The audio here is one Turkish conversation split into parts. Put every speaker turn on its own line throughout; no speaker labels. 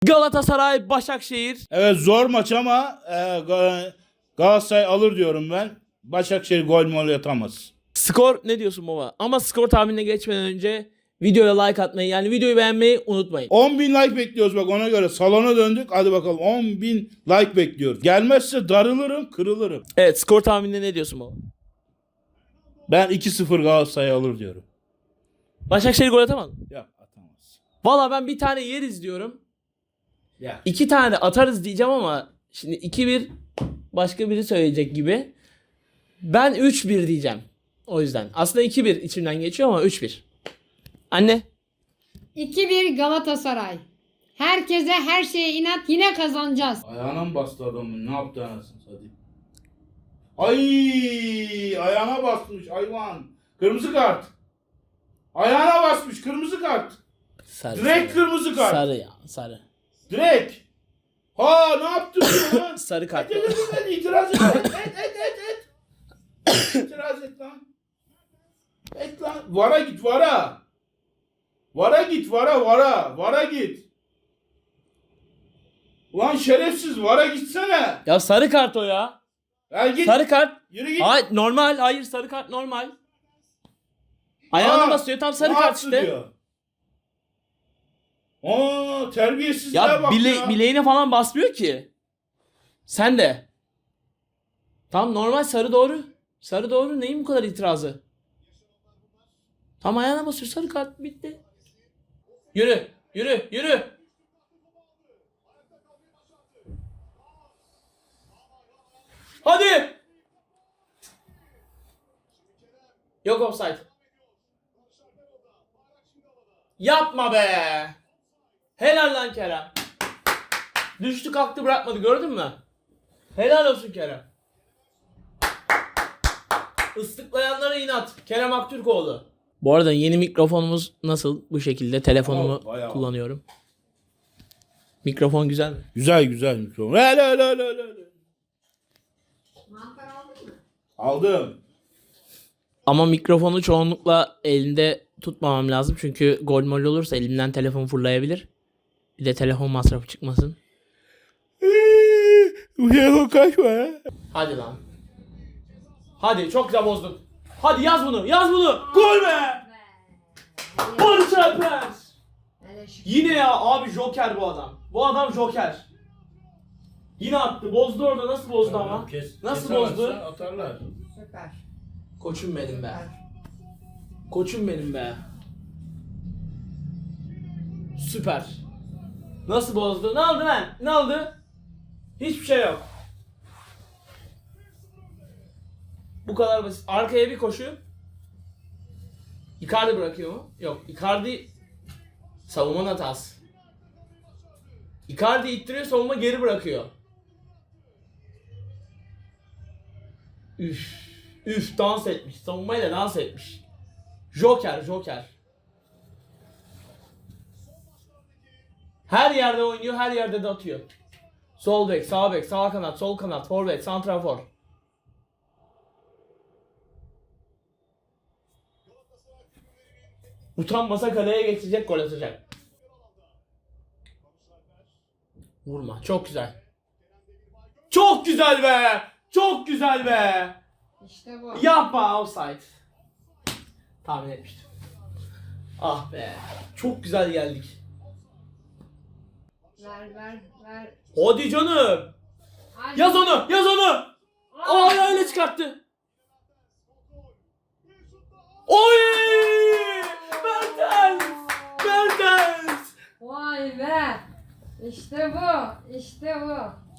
Galatasaray Başakşehir.
Evet, zor maç ama Galatasaray alır diyorum ben. Başakşehir gol mol atamaz.
Skor ne diyorsun baba? Ama skor tahminine geçmeden önce videoya like atmayı, yani videoyu beğenmeyi unutmayın.
10.000 like bekliyoruz bak, ona göre salona döndük. Hadi bakalım, 10.000 like bekliyoruz. Gelmezse darılırım, kırılırım.
Evet, skor tahminine ne diyorsun baba?
Ben 2-0 Galatasaray alır diyorum.
Başakşehir gol atamaz mı?
Yok, atamaz.
Valla ben bir tane yeriz diyorum.
Ya.
2 tane atarız diyeceğim ama şimdi 2-1 başka biri söyleyecek gibi. Ben 3-1 diyeceğim. O yüzden. Aslında 2-1 içimden geçiyor ama 3-1. Anne.
2-1 Galatasaray. Herkese her şeye inat, yine kazanacağız.
Ayağına mı bastı adamın? Ne yaptı anasını satayım? Ay, ayağına basmış hayvan. Kırmızı kart. Ayağına basmış, kırmızı kart.
Sarı.
Direkt kırmızı kart.
Sarı ya, sarı.
Direkt. Ha, ne yaptın lan?
Sarı kart.
İtiraz et. Et. İtiraz et lan. Et lan. Vara git, vara. Vara git, vara. Vara git. Ulan şerefsiz, vara gitsene.
Ya sarı kart o ya.
Ya git.
Sarı kart.
Yürü git.
Hayır, normal. Hayır, sarı kart normal. Ayağına basıyor, tam sarı
ne
kart
yaptı
işte.
diyor. Terbiyesizliğe
Ya
bak ya.
bileğine falan basmıyor ki. Sen de. Tam normal, sarı doğru. Sarı doğru, neyin bu kadar itirazı? Tam ayağına basıyor, sarı kart, bitti. Yürü. Hadi. Yok offside. Yapma be. Helal lan Kerem. Düştü kalktı bırakmadı, gördün mü? Helal olsun Kerem. Islıklayanlara inat. Kerem Aktürkoğlu. Bu arada yeni mikrofonumuz nasıl? Bu şekilde telefonumu
Bayağı.
kullanıyorum. Mikrofon güzel mi?
Güzel mikrofon. Hele.
Mantar aldın mı?
Aldım.
Ama mikrofonu çoğunlukla elinde tutmamam lazım. Çünkü gol mol olursa elimden telefon fırlayabilir. Bir de telefon masrafı çıkmasın.
Bu kaçma.
Hadi lan. Hadi, çok güzel bozdun. Hadi yaz bunu. Gol be! Barış Alper!
Hele şu.
Yine ya abi, Joker bu adam. Bu adam Joker. Yine attı. Bozdu orada. Nasıl bozdu ama? Nasıl bozdu?
Atarlar.
Süper.
Koçum benim be.
Süper.
Koçum benim be. Süper. Nasıl bozdu? Ne oldu lan? Ne oldu? Hiçbir şey yok. Bu kadar basit. Arkaya bir koşu. Icardi bırakıyor mu? Yok. Icardi savunma hatası. Icardi ittiriyor, savunma geri bırakıyor. Üf, dans etmiş. Savunmayla dans etmiş. Joker. Her yerde oynuyor, her yerde de atıyor. Sol bek, sağ kanat, sol kanat, forvet, santrafor. Utanmasa kaleye geçecek, gol atacak. Vurma, çok güzel. Çok güzel be! Çok güzel be!
İşte bu.
Yapma, offside. Tahmin etmiştim. Ah be, çok güzel geldik.
Ver.
Hadi canım.
Hadi.
Yaz onu. Aa, öyle çıkarttı. Oy! Mertens!
Vay be. İşte bu.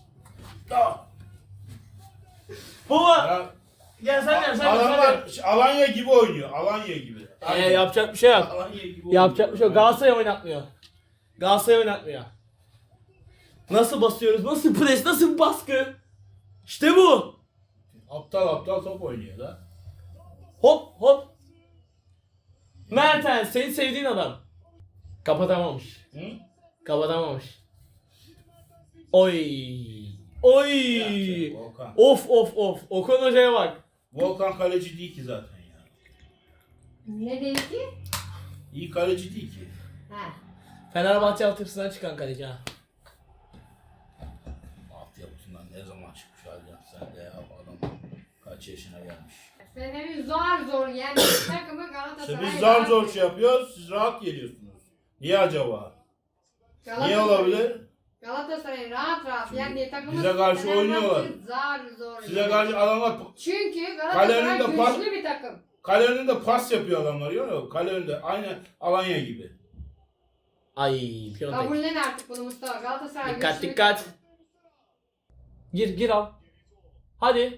Baba, gel sen.
Adamlar Alanya gibi oynuyor. Alanya gibi.
Yapacak bir şey yok.
Alanya gibi
Yapacak bir şey yok. Galatasaray oynatmıyor. Nasıl basıyoruz? Nasıl pres? Nasıl baskı? İşte bu.
Aptal top oynuyor da.
Hop. Mertens, senin sevdiğin adam. Kapatamamış.
Hı?
Oy.
Ya, Volkan.
Of. Okan Hoca'ya bak.
Volkan kaleci değil ki zaten ya.
Ne dedi ki?
İyi kaleci değil ki.
He.
Fenerbahçe altyapısından çıkan kaleci ha.
Ne zaman çıkmış Alcan sen de ya adam kaç yaşına gelmiş.
Fener'in zor yani takımı
İşte
Galatasaray.
biz zor zor şey yapıyoruz siz rahat geliyorsunuz. Niye acaba? Niye olabilir?
Galatasaray'ın rahat yendiği takımı
bize karşı oynuyorlar.
Zor.
Size karşı adamlar
Çünkü
Kalenin
Galatasaray
de
güçlü bir takım.
kale önünde pas yapıyor adamlar görüyor musun? Kale önünde aynı Alanya gibi.
Ay Piontek.
Kabullen artık bunu Mustafa. Galatasaray
Dikkat
güçlü bir
dikkat.
takım.
Gir al. Hadi.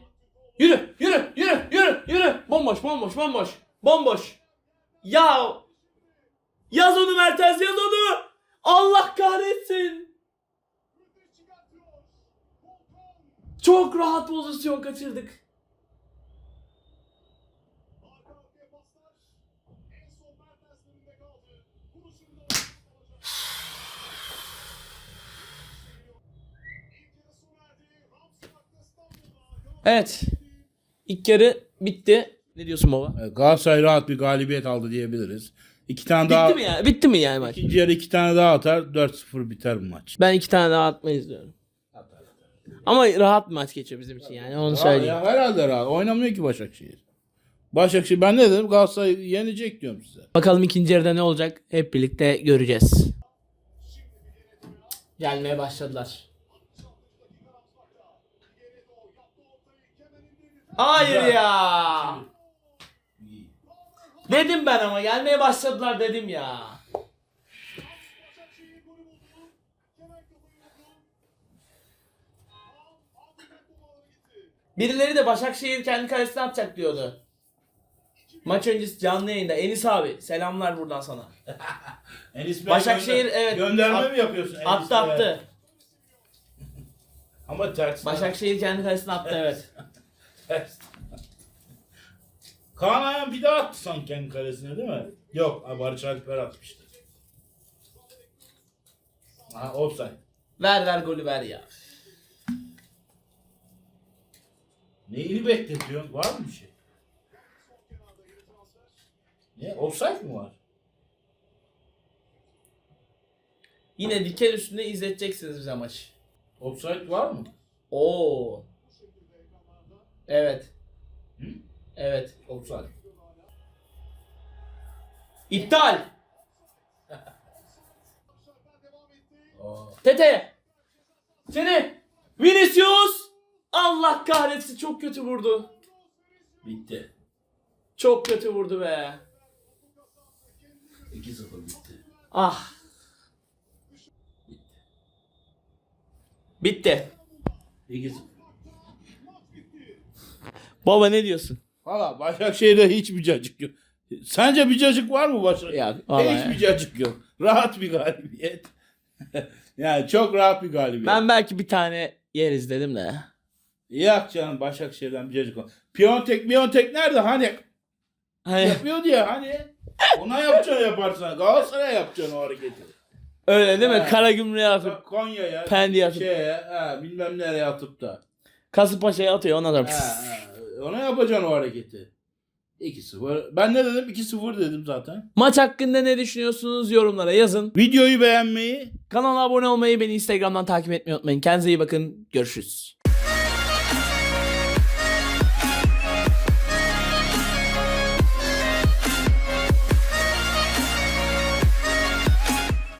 Yürü. Bomboş. Ya. Yaz onu Mertens yaz onu. Allah kahretsin. Çok rahat pozisyon kaçırdık. Evet. İlk yarı bitti. Ne diyorsun baba?
Galatasaray rahat bir galibiyet aldı diyebiliriz. İki tane
Bitti mi ya? Bitti mi yani maç?
İkinci yarı 2 tane daha atar 4-0 biter bu maç.
Ben 2 tane daha atmayı izliyorum. Ama rahat bir maç geçiyor bizim için yani onu söyleyeyim.
Ya, herhalde rahat. Oynamıyor ki Başakşehir. Başakşehir ben ne dedim? Galatasaray yenecek diyorum size.
Bakalım ikinci yarıda ne olacak? Hep birlikte göreceğiz. Gelmeye başladılar. Hayır ya. Dedim ben ama gelmeye başladılar dedim ya. Birileri de Başakşehir kendi kalesine atacak diyordu. Maç öncesi canlı yayında. Enis abi selamlar buradan sana.
Enis Bey
Başakşehir evet.
Gönderme mi yapıyorsun Enis Bey'e?
Attı.
Ama ters.
Başakşehir kendi kalesine attı evet.
Ters. Kaan Ayhan bir daha attı sanki kendi kalesine değil mi? Yok. Barış Alper atmıştı. Ha offside.
Ver golü ver ya.
Neyini bekletiyorsun? Var mı bir şey? Ne? Offside mi var?
Yine diken üstünde izleteceksiniz bize maçı.
Offside var mı?
Oo. Evet.
Hı?
Evet.
Offside.
İptal.
Aa.
Tete. Seni. Vinicius. Allah kahretsin çok kötü vurdu.
Bitti.
Çok kötü vurdu be.
2-0 bitti.
Ah. Bitti.
2-0.
Baba ne diyorsun?
Valla Başakşehir'de hiçbir cacık yok. Sence bir cacık var mı Başakşehir'de?
Ya, vallahi
Hiçbir
ya.
cacık yok. Rahat bir galibiyet. Yani çok rahat bir galibiyet.
Ben belki bir tane yeriz dedim de.
Yok canım Başakşehir'den bir cacık var. Piyontek nerede? Hani
Hani
yapıyordu ya hani. Ona yapacaksın yaparsan. Galatasaray'a yapacaksın o hareketi.
öyle değil mi?
Ha.
Karagümrük'e atıp
Konya'ya,
Pendik'e atıp
bilmem nereye atıp da.
Kasımpaşa'ya atıyor ona da.
Ona yapacaksın o hareketi. 2-0. Ben ne dedim? 2-0 dedim zaten.
Maç hakkında ne düşünüyorsunuz yorumlara yazın.
Videoyu beğenmeyi,
Kanala abone olmayı, beni Instagram'dan takip etmeyi unutmayın. Kendinize iyi bakın. Görüşürüz.